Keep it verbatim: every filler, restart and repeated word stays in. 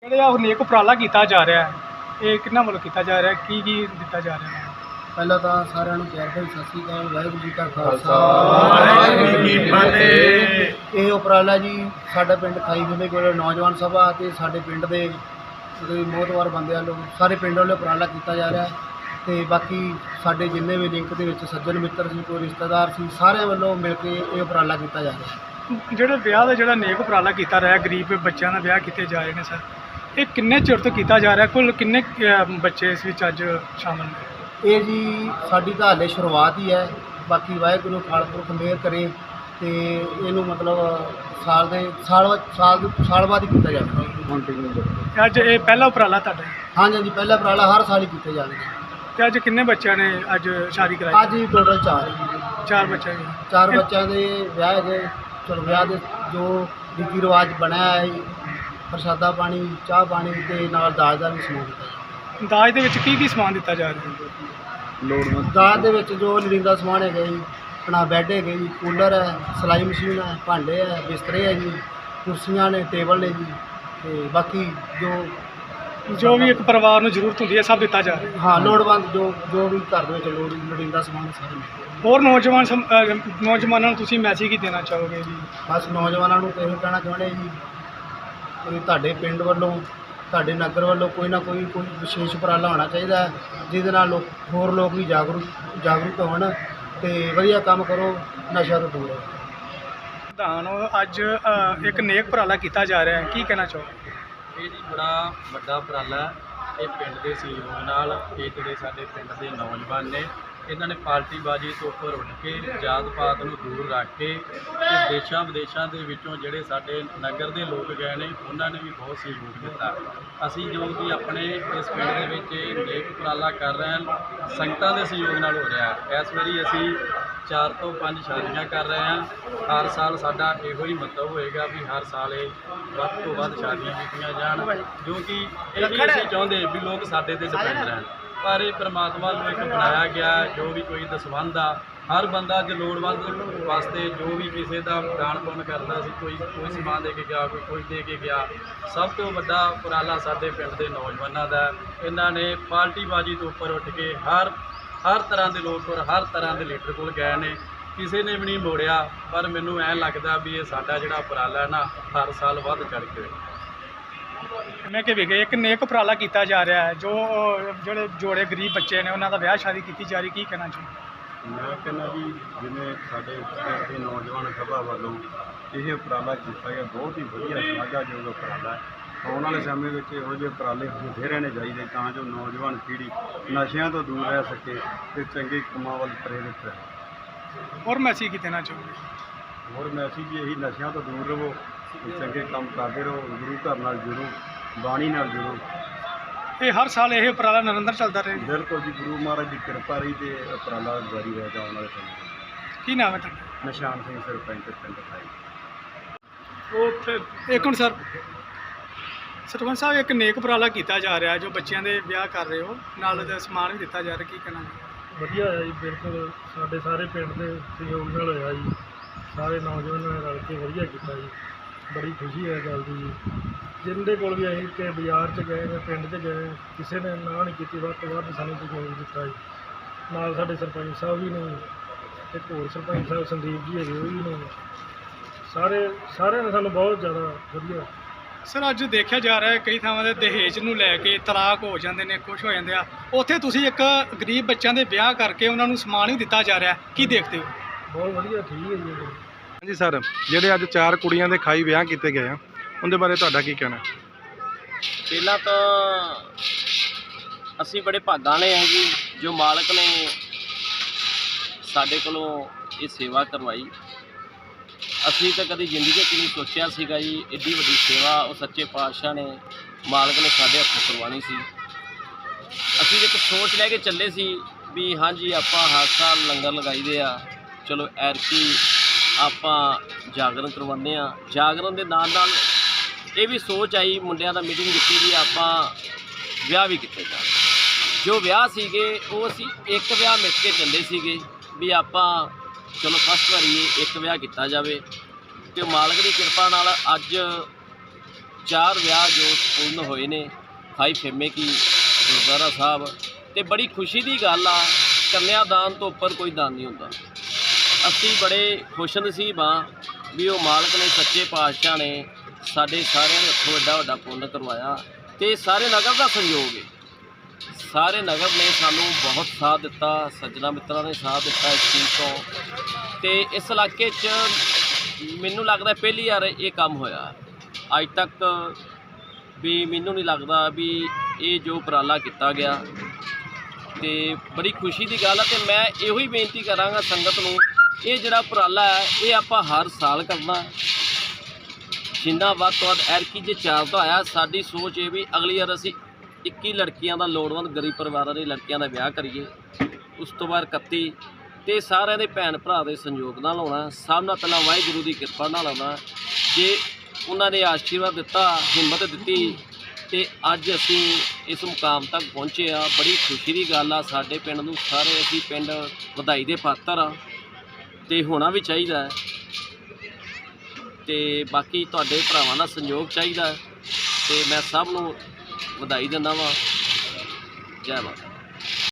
ਜਿਹੜਾ ਉਹ ਨੇਕ ਉਪਰਾਲਾ ਕੀਤਾ ਜਾ ਰਿਹਾ ਹੈ ਇਹ ਕਿੰਨਾ ਵੱਲੋਂ ਕੀਤਾ ਜਾ ਰਿਹਾ ਹੈ ਕੀ ਕੀ ਦਿੱਤਾ ਜਾ ਰਿਹਾ ਹੈ। ਪਹਿਲਾਂ ਤਾਂ ਸਾਰਿਆਂ ਨੂੰ ਪਿਆਰ ਭਰੀ ਸਤਿ ਸ਼੍ਰੀ ਅਕਾਲ। ਵਾਹਿਗੁਰੂ ਜੀ ਕਾ ਖਾਲਸਾ ਵਾਹਿਗੁਰੂ ਜੀ ਕੀ ਫਤਿਹ। ਇਹ ਉਪਰਾਲਾ ਜੀ ਸਾਡਾ ਪਿੰਡ ਖਾਈ ਵਿਲੇ ਕੋਲ ਨੌਜਵਾਨ ਸਭਾ ਅਤੇ ਸਾਡੇ ਪਿੰਡ ਦੇ ਜਿਹੜੇ ਮੋਹਤਵਾਰ ਬੰਦੇ ਵੱਲੋਂ ਸਾਰੇ ਪਿੰਡ ਵੱਲੋਂ ਉਪਰਾਲਾ ਕੀਤਾ ਜਾ ਰਿਹਾ ਅਤੇ ਬਾਕੀ ਸਾਡੇ ਜਿੰਨੇ ਵੀ ਲਿੰਕ ਦੇ ਵਿੱਚ ਸੱਜਣ ਮਿੱਤਰ ਸੀ, ਕੋਈ ਰਿਸ਼ਤੇਦਾਰ ਸੀ, ਸਾਰਿਆਂ ਵੱਲੋਂ ਮਿਲ ਕੇ ਇਹ ਉਪਰਾਲਾ ਕੀਤਾ ਜਾ ਰਿਹਾ। ਜਿਹੜਾ ਵਿਆਹ ਦਾ ਜਿਹੜਾ ਨੇਕ ਉਪਰਾਲਾ ਕੀਤਾ ਰਿਹਾ ਗਰੀਬ ਬੱਚਿਆਂ ਦਾ ਵਿਆਹ ਕੀਤੇ ਜਾ ਰਹੇ ਨੇ ਸਰ, ਇਹ ਕਿੰਨੇ ਚਿਰ ਤੋਂ ਕੀਤਾ ਜਾ ਰਿਹਾ, ਕੁੱਲ ਕਿੰਨੇ ਅ, ਬੱਚੇ ਇਸ ਵਿੱਚ ਅੱਜ ਸ਼ਾਮਲ ਨੇ? ਇਹ ਜੀ ਸਾਡੀ ਤਾਂ ਹਾਲੇ ਸ਼ੁਰੂਆਤ ਹੀ ਹੈ, ਬਾਕੀ ਵਾਹਿਗੁਰੂ ਅਕਾਲ ਪੁਰਖ ਮਿਹਰ ਕਰੇ ਅਤੇ ਇਹਨੂੰ ਮਤਲਬ ਸਾਲ ਦੇ ਸਾਲ ਸਾਲ ਸਾਲ ਬਾਅਦ ਹੀ ਕੀਤਾ ਜਾਵੇਗਾ। ਅੱਜ ਇਹ ਪਹਿਲਾ ਉਪਰਾਲਾ ਤੁਹਾਡਾ? ਹਾਂਜੀ ਹਾਂਜੀ, ਪਹਿਲਾ ਉਪਰਾਲਾ ਹਰ ਸਾਲ ਹੀ ਕੀਤੇ ਜਾਣਗੇ। ਤੇ ਅੱਜ ਕਿੰਨੇ ਬੱਚਿਆਂ ਨੇ ਅੱਜ ਸ਼ਾਦੀ ਕਰਾਈ? ਅੱਜ ਹੀ ਟੋਟਲ ਚਾਰ ਚਾਰ ਬੱਚੇ ਨੇ। ਚਾਰ ਬੱਚਿਆਂ ਦੇ ਵਿਆਹ ਹੈਗੇ। ਚਲੋ ਵਿਆਹ ਦੇ ਜੋ ਰੀਤੀ ਰਿਵਾਜ ਬਣਿਆ ਹੈ, ਪ੍ਰਸ਼ਾਦਾ ਪਾਣੀ, ਚਾਹ ਪਾਣੀ ਅਤੇ ਨਾਲ ਦਾਜ ਦਾ ਵੀ ਸਮਾਨ ਦਿੱਤਾ ਜਾਂਦਾ। ਦਾਜ ਦੇ ਵਿੱਚ ਕੀ ਕੀ ਸਮਾਨ ਦਿੱਤਾ ਜਾ ਰਿਹਾ ਹੈ? ਲੋੜਵੰਦ ਦਾਜ ਦੇ ਵਿੱਚ ਜੋ ਲੋੜੀਂਦਾ ਸਮਾਨ ਹੈਗਾ ਜੀ, ਆਪਣਾ ਬੈੱਡ ਹੈਗੇ ਜੀ, ਕੂਲਰ ਹੈ, ਸਿਲਾਈ ਮਸ਼ੀਨ ਹੈ, ਭਾਂਡੇ ਹੈ, ਬਿਸਤਰੇ ਹੈ ਜੀ, ਕੁਰਸੀਆਂ ਨੇ, ਟੇਬਲ ਨੇ ਜੀ, ਅਤੇ ਬਾਕੀ ਜੋ ਜੋ ਵੀ ਇੱਕ ਪਰਿਵਾਰ ਨੂੰ ਜ਼ਰੂਰਤ ਹੁੰਦੀ ਹੈ ਸਭ ਦਿੱਤਾ ਜਾ ਰਿਹਾ। ਹਾਂ ਲੋੜਵੰਦ ਜੋ ਜੋ ਵੀ ਘਰ ਦੇ ਵਿੱਚ ਲੋੜ ਲੋੜੀਂਦਾ ਸਮਾਨ ਸਾਰੇ ਮਿਲਦਾ। ਹੋਰ ਨੌਜਵਾਨ ਸਮ- ਅ, ਨੌਜਵਾਨਾਂ ਨੂੰ ਤੁਸੀਂ ਮੈਸੇਜ ਕੀ ਦੇਣਾ ਚਾਹੋਗੇ ਜੀ? ਬਸ ਨੌਜਵਾਨਾਂ ਨੂੰ ਇਹੋ ਕਹਿਣਾ ਚਾਹੁੰਦੇ ਜੀ ਵੀ ਤੁਹਾਡੇ ਪਿੰਡ ਵੱਲੋਂ, ਤੁਹਾਡੇ ਨਗਰ ਵੱਲੋਂ ਕੋਈ ਨਾ ਕੋਈ ਕੋਈ ਵਿਸ਼ੇਸ਼ ਉਪਰਾਲਾ ਹੋਣਾ ਚਾਹੀਦਾ ਹੈ, ਜਿਹਦੇ ਨਾਲ ਲੋਕ ਹੋਰ ਲੋਕ ਵੀ ਜਾਗਰੂਕ ਜਾਗਰੂਕ ਹੋਣ ਅਤੇ ਵਧੀਆ ਕੰਮ ਕਰੋ, ਨਸ਼ਾ ਤੋਂ ਦੂਰ ਰਹੋ। ਪ੍ਰਧਾਨ ਅੱਜ ਅ, ਇੱਕ ਨੇਕ ਉਪਰਾਲਾ ਕੀਤਾ ਜਾ ਰਿਹਾ ਹੈ, ਕੀ ਕਹਿਣਾ ਚਾਹੋਗੇ? ਇਹ ਜੀ ਬੜਾ ਵੱਡਾ ਉਪਰਾਲਾ ਹੈ। ਇਹ ਪਿੰਡ ਦੇ ਸਹਿਯੋਗ ਨਾਲ ਇਹ ਜਿਹੜੇ ਸਾਡੇ ਪਿੰਡ ਦੇ ਨੌਜਵਾਨ ਨੇ, ਇਹਨਾਂ ਨੇ ਪਾਰਟੀਬਾਜ਼ੀ ਤੋਂ ਉੱਪਰ ਉੱਠ ਕੇ ਜਾਤ ਪਾਤ ਨੂੰ ਦੂਰ ਰੱਖ ਕੇ ਤੇ ਦੇਸ਼ਾਂ ਵਿਦੇਸ਼ਾਂ ਦੇ ਵਿੱਚੋਂ ਜਿਹੜੇ ਸਾਡੇ ਨਗਰ ਦੇ ਲੋਕ ਗਏ ਨੇ ਉਹਨਾਂ ਨੇ ਵੀ ਬਹੁਤ ਸਹਿਯੋਗ ਦਿੱਤਾ। ਅਸੀਂ ਜੋ ਕਿ ਆਪਣੇ ਇਸ ਪਿੰਡ ਦੇ ਵਿੱਚ ਇਹ ਨੇਕ ਉਪਰਾਲਾ ਕਰ ਰਹੇ ਹਾਂ, ਸੰਗਤਾਂ ਦੇ ਸਹਿਯੋਗ ਨਾਲ ਹੋ ਰਿਹਾ ਹੈ। ਇਸ ਵਾਰੀ ਅਸੀਂ ਚਾਰ ਤੋਂ ਪੰਜ ਸ਼ਾਦੀਆਂ ਕਰ ਰਹੇ ਹਾਂ। ਹਰ ਸਾਲ ਸਾਡਾ ਇਹੋ ਹੀ ਮਤਲਬ ਹੋਏਗਾ ਵੀ ਹਰ ਸਾਲ ਇਹ ਵੱਧ ਤੋਂ ਵੱਧ ਸ਼ਾਦੀਆਂ ਕੀਤੀਆਂ ਜਾਣ, ਜੋ ਕਿ ਇਹ ਨਹੀਂ ਅਸੀਂ ਚਾਹੁੰਦੇ ਵੀ ਲੋਕ ਸਾਡੇ 'ਤੇ ਡਿਪੈਂਡ ਰਹਿਣ, ਪਰ ਇਹ ਪਰਮਾਤਮਾ ਨੂੰ ਇੱਕ ਬਣਾਇਆ ਗਿਆ ਜੋ ਵੀ ਕੋਈ ਦਸਵੰਧ ਆ, ਹਰ ਬੰਦਾ ਜੇ ਲੋੜਵੰਦ ਵਾਸਤੇ ਜੋ ਵੀ ਕਿਸੇ ਦਾ ਦਾਨ ਪੁੰਨ ਕਰਦਾ ਸੀ, ਕੋਈ ਕੋਈ ਸਮਾਨ ਦੇ ਕੇ ਗਿਆ, ਕੋਈ ਕੋਈ ਦੇ ਕੇ ਗਿਆ। ਸਭ ਤੋਂ ਵੱਡਾ ਉਪਰਾਲਾ ਸਾਡੇ ਪਿੰਡ ਦੇ ਨੌਜਵਾਨਾਂ ਦਾ। ਇਹਨਾਂ ਨੇ ਪਾਰਟੀਬਾਜ਼ੀ ਤੋਂ ਉੱਪਰ ਉੱਠ ਕੇ ਹਰ ਹਰ ਤਰ੍ਹਾਂ ਦੇ ਲੋਕ ਔਰ ਹਰ ਤਰ੍ਹਾਂ ਦੇ ਲੀਡਰ ਕੋਲ ਗਏ ਨੇ, ਕਿਸੇ ਨੇ ਵੀ ਨਹੀਂ ਮੋੜਿਆ। ਪਰ ਮੈਨੂੰ ਐਂ ਲੱਗਦਾ ਵੀ ਇਹ ਸਾਡਾ ਜਿਹੜਾ ਉਪਰਾਲਾ ਹੈ ਨਾ ਹਰ ਸਾਲ ਵੱਧ ਚੜ੍ਹ ਕੇ ਮੈਂ ਕਿ ਵੀ ਇੱਕ ਨੇਕ ਉਪਰਾਲਾ ਕੀਤਾ ਜਾ ਰਿਹਾ ਹੈ, ਜੋ ਜਿਹੜੇ ਜੋੜੇ ਗਰੀਬ ਬੱਚੇ ਨੇ ਉਹਨਾਂ ਦਾ ਵਿਆਹ ਸ਼ਾਦੀ ਕੀਤੀ ਜਾ ਰਹੀ, ਕੀ ਕਹਿਣਾ ਚਾਹੁੰਦੇ? ਮੈਂ ਕਹਿੰਦਾ ਜੀ ਜਿਵੇਂ ਸਾਡੇ ਪਿੰਡ ਦੇ ਨੌਜਵਾਨ ਸਭਾ ਵੱਲੋਂ ਇਹ ਉਪਰਾਲਾ ਕੀਤਾ ਗਿਆ, ਬਹੁਤ ਹੀ ਵਧੀਆ ਸ਼ਲਾਘਾਯੋਗ ਉਪਰਾਲਾ ਹੈ। ਆਉਣ ਵਾਲੇ ਸਮੇਂ ਵਿੱਚ ਇਹੋ ਜਿਹੇ ਉਪਰਾਲੇ ਹੁੰਦੇ ਰਹਿਣੇ ਚਾਹੀਦੇ ਤਾਂ ਜੋ ਨੌਜਵਾਨ ਪੀੜ੍ਹੀ ਨਸ਼ਿਆਂ ਤੋਂ ਦੂਰ ਰਹਿ ਸਕੇ ਅਤੇ ਚੰਗੇ ਕੰਮਾਂ ਵੱਲ ਪ੍ਰੇਰਿਤ ਰਹੇ। ਹੋਰ ਮੈਸੇਜ ਕੀ ਦੇਣਾ ਚਾਹੋਗੇ? ਹੋਰ ਮੈਸੇਜ ਜੀ ਇਹੀ, ਨਸ਼ਿਆਂ ਤੋਂ ਦੂਰ ਰਹੋ, ਚੰਗੇ ਕੰਮ ਕਰਦੇ ਰਹੋ, ਗੁਰੂ ਘਰ ਨਾਲ ਜੁੜੋ, ਬਾਣੀ ਨਾਲ ਜੁੜੋ। ਇਹ ਹਰ ਸਾਲ ਇਹ ਉਪਰਾਲਾ ਨਿਰੰਤਰ ਚੱਲਦਾ ਰਹੇ? ਬਿਲਕੁਲ ਜੀ, ਗੁਰੂ ਮਹਾਰਾਜ ਦੀ ਕਿਰਪਾ ਰਹੀ ਅਤੇ ਉਪਰਾਲਾ ਜਾਰੀ ਰਹੇਗਾ ਆਉਣ ਵਾਲੇ ਸਮੇਂ ਵਿੱਚ। ਕੀ ਨਾਮ ਹੈ ਤੁਹਾਡਾ? ਨਿਸ਼ਾਨ ਸਿੰਘ ਸਰਪੰਚ ਪਿੰਡ ਖਾਈ। ਉਹ ਉੱਥੇ ਇੱਕ ਮਿੰਟ ਸਰ, ਸਰਪੰਚ ਸਾਹਿਬ ਇੱਕ ਨੇਕ ਉਪਰਾਲਾ ਕੀਤਾ ਜਾ ਰਿਹਾ ਜੋ ਬੱਚਿਆਂ ਦੇ ਵਿਆਹ ਕਰ ਰਹੇ ਹੋ, ਨਾਲ ਦਾ ਸਮਾਨ ਵੀ ਦਿੱਤਾ ਜਾ ਰਿਹਾ, ਕੀ ਕਹਿਣਾ? ਵਧੀਆ ਹੋਇਆ ਜੀ, ਬਿਲਕੁਲ ਸਾਡੇ ਸਾਰੇ ਪਿੰਡ ਦੇ ਸਹਿਯੋਗ ਨਾਲ ਹੋਇਆ ਜੀ। ਸਾਰੇ ਨੌਜਵਾਨਾਂ ਨੇ ਰਲ ਕੇ ਵਧੀਆ ਕੀਤਾ ਜੀ, ਬੜੀ ਖੁਸ਼ੀ ਹੈ ਗੱਲ ਦੀ ਜੀ। ਜਿੰਦੇ ਕੋਲ ਵੀ ਅਸੀਂ ਕਿ ਬਾਜ਼ਾਰ 'ਚ ਗਏ ਜਾਂ ਪਿੰਡ 'ਚ ਗਏ, ਕਿਸੇ ਨੇ ਨਾ ਨਹੀਂ ਕੀਤੀ, ਵੱਧ ਤੋਂ ਵੱਧ ਸਾਨੂੰ ਸਹਿਯੋਗ ਦਿੱਤਾ ਜੀ। ਨਾਲ ਸਾਡੇ ਸਰਪੰਚ ਸਾਹਿਬ ਵੀ ਨੇ, ਇੱਕ ਹੋਰ ਸਰਪੰਚ ਸਾਹਿਬ ਸੰਦੀਪ ਜੀ ਹੈਗੇ ਉਹ ਵੀ ਨੇ, ਸਾਰੇ ਸਾਰਿਆਂ ਨੇ ਸਾਨੂੰ ਬਹੁਤ ਜ਼ਿਆਦਾ ਵਧੀਆ। ਸਰ ਅੱਜ ਦੇਖਿਆ ਜਾ ਰਿਹਾ ਹੈ ਕਈ ਥਾਵਾਂ ਦੇ ਦਹੇਜ ਨੂੰ ਲੈ ਕੇ ਤਲਾਕ ਹੋ ਜਾਂਦੇ ਨੇ, ਕੁਛ ਹੋ ਜਾਂਦੇ ਆ, ਉੱਥੇ ਤੁਸੀਂ ਇੱਕ ਗਰੀਬ ਬੱਚਿਆਂ ਦੇ ਵਿਆਹ ਕਰਕੇ ਉਹਨਾਂ ਨੂੰ ਸਮਾਨ ਵੀ ਦਿੱਤਾ ਜਾ ਰਿਹਾ, ਕੀ ਦੇਖਦੇ ਹੋ? ਬਹੁਤ ਵਧੀਆ, ਠੀਕ ਹੈ ਜੀ। ਹਾਂਜੀ ਸਰ, ਜਿਹੜੇ ਅੱਜ ਚਾਰ ਕੁੜੀਆਂ ਦੇ ਖਾਈ ਵਿਆਹ ਕੀਤੇ ਗਏ ਆ, ਉਹਦੇ ਬਾਰੇ ਤੁਹਾਡਾ ਕੀ ਕਹਿਣਾ? ਪਹਿਲਾਂ ਤਾਂ ਅਸੀਂ ਬੜੇ ਭਾਗਾਂ ਵਾਲੇ ਹਾਂ ਜੀ, ਜੋ ਮਾਲਕ ਨੇ ਸਾਡੇ ਕੋਲੋਂ ਇਹ ਸੇਵਾ ਕਰਵਾਈ। ਅਸੀਂ ਤਾਂ ਕਦੀ ਜ਼ਿੰਦਗੀ 'ਚ ਨਹੀਂ ਸੋਚਿਆ ਸੀਗਾ ਜੀ ਐਡੀ ਵੱਡੀ ਸੇਵਾ ਉਹ ਸੱਚੇ ਪਾਤਸ਼ਾਹ ਨੇ, ਮਾਲਕ ਨੇ ਸਾਡੇ ਹੱਥੋਂ ਕਰਵਾਉਣੀ ਸੀ। ਅਸੀਂ ਇੱਕ ਸੋਚ ਲੈ ਕੇ ਚੱਲੇ ਸੀ ਵੀ ਹਾਂਜੀ ਆਪਾਂ ਹਰ ਸਾਲ ਲੰਗਰ ਲਗਾਈਦੇ ਆ, ਚਲੋ ਐਰਕੀ ਆਪਾਂ ਜਾਗਰਣ ਕਰਵਾਉਂਦੇ ਆ। ਜਾਗਰਣ ਦੇ ਨਾਲ ਨਾਲ ਇਹ ਵੀ ਸੋਚ ਆਈ, ਮੁੰਡਿਆਂ ਦਾ ਮੀਟਿੰਗ ਕੀਤੀ ਵੀ ਆਪਾਂ ਵਿਆਹ ਵੀ ਕੀਤੇ ਜਾਣ। ਜੋ ਵਿਆਹ ਸੀਗੇ ਉਹ ਅਸੀਂ ਇੱਕ ਵਿਆਹ ਮਿਲ ਕੇ ਚੱਲੇ ਸੀਗੇ ਵੀ ਆਪਾਂ ਚਲੋ ਫਸਟ ਵਾਰੀ ਇੱਕ ਵਿਆਹ ਕੀਤਾ ਜਾਵੇ, ਅਤੇ ਮਾਲਕ ਦੀ ਕਿਰਪਾ ਨਾਲ ਅੱਜ ਚਾਰ ਵਿਆਹ ਜੋ ਸੰਪੂਰਨ ਹੋਏ ਨੇ ਖਾਈ ਫੇਮੇ ਕੀ ਗੁਰਦੁਆਰਾ ਸਾਹਿਬ। ਤੇ ਬੜੀ ਖੁਸ਼ੀ ਦੀ ਗੱਲ ਆ, ਕੰਨਿਆਦਾਨ ਤੋਂ ਉੱਪਰ ਕੋਈ ਦਾਨ ਨਹੀਂ ਹੁੰਦਾ। ਅਸੀਂ ਬੜੇ ਖੁਸ਼ ਨਸੀਬ ਹਾਂ ਵੀ ਉਹ ਮਾਲਕ ਨੇ, ਸੱਚੇ ਪਾਤਸ਼ਾਹ ਨੇ ਸਾਡੇ ਸਾਰਿਆਂ ਦੇ ਹੱਥੋਂ ਐਡਾ ਵੱਡਾ ਪੁੰਨ ਕਰਵਾਇਆ। ਤੇ ਸਾਰੇ ਨਗਰ ਦਾ ਸੰਯੋਗ ਹੈ, ਸਾਰੇ ਨਗਰ ਨੇ ਸਾਨੂੰ ਬਹੁਤ ਸਾਥ ਦਿੱਤਾ, ਸੱਜਣਾ ਮਿੱਤਰਾਂ ਨੇ ਸਾਥ ਦਿੱਤਾ ਇਸ ਚੀਜ਼ ਤੋਂ। ਤੇ ਇਸ ਇਲਾਕੇ 'ਚ ਮੈਨੂੰ ਲੱਗਦਾ ਪਹਿਲੀ ਵਾਰ ਇਹ ਕੰਮ ਹੋਇਆ ਅੱਜ ਤੱਕ ਵੀ। ਮੈਨੂੰ ਨਹੀਂ ਲੱਗਦਾ ਵੀ ਇਹ ਜੋ ਉਪਰਾਲਾ ਕੀਤਾ ਗਿਆ, ਤੇ ਬੜੀ ਖੁਸ਼ੀ ਦੀ ਗੱਲ ਹੈ। ਤੇ ਮੈਂ ਇਹੋ ਹੀ ਬੇਨਤੀ ਕਰਾਂਗਾ ਸੰਗਤ ਨੂੰ, ਇਹ ਜਿਹੜਾ ਉਪਰਾਲਾ ਹੈ ਇਹ ਆਪਾਂ ਹਰ ਸਾਲ ਕਰਨਾ, ਜਿੰਨਾ ਵੱਧ ਤੋਂ ਵੱਧ। ਐਰਕੀ ਜੇ ਚਾਰ ਦਾ ਹੋਇਆ, ਸਾਡੀ ਸੋਚ ਇਹ ਵੀ ਅਗਲੀ ਵਾਰ ਅਸੀਂ ਇੱਕੀ ਲੜਕੀਆਂ ਦਾ, ਲੋੜਵੰਦ ਗਰੀਬ ਪਰਿਵਾਰਾਂ ਦੀ ਲੜਕੀਆਂ ਦਾ ਵਿਆਹ ਕਰੀਏ। ਉਸ ਤੋਂ ਬਾਅਦ ਇਕੱਤੀ, ਤੇ ਸਾਰਿਆਂ ਦੇ ਭੈਣ ਭਰਾ ਦੇ ਸੰਯੋਗ ਨਾਲ ਹੋਣਾ। ਸਭ ਨਾਲ ਪਹਿਲਾਂ ਵਾਹਿਗੁਰੂ ਦੀ ਕਿਰਪਾ ਨਾਲ ਹੋਣਾ। ਜੇ ਉਹਨਾਂ ਨੇ ਆਸ਼ੀਰਵਾਦ ਦਿੱਤਾ, ਹਿੰਮਤ ਦਿੱਤੀ, ਤੇ ਅੱਜ ਅਸੀਂ ਇਸ ਮੁਕਾਮ ਤੱਕ ਪਹੁੰਚੇ ਆ। ਬੜੀ ਖੁਸ਼ੀ ਦੀ ਗੱਲ ਆ ਸਾਡੇ ਪਿੰਡ ਨੂੰ। ਸਾਰੇ ਅਸੀਂ ਪਿੰਡ ਵਧਾਈ ਦੇ ਪਾਤਰ ਆ, ਤੇ ਹੋਣਾ ਵੀ ਚਾਹੀਦਾ ਹੈ। ਤੇ ਬਾਕੀ ਤੁਹਾਡੇ ਭਰਾਵਾਂ ਦਾ ਸੰਯੋਗ ਚਾਹੀਦਾ, ਤੇ ਮੈਂ ਸਭ ਨੂੰ ਵਧਾਈ ਦਿੰਦਾ ਵਾਂ। ਜੈ ਮਾਤਾ।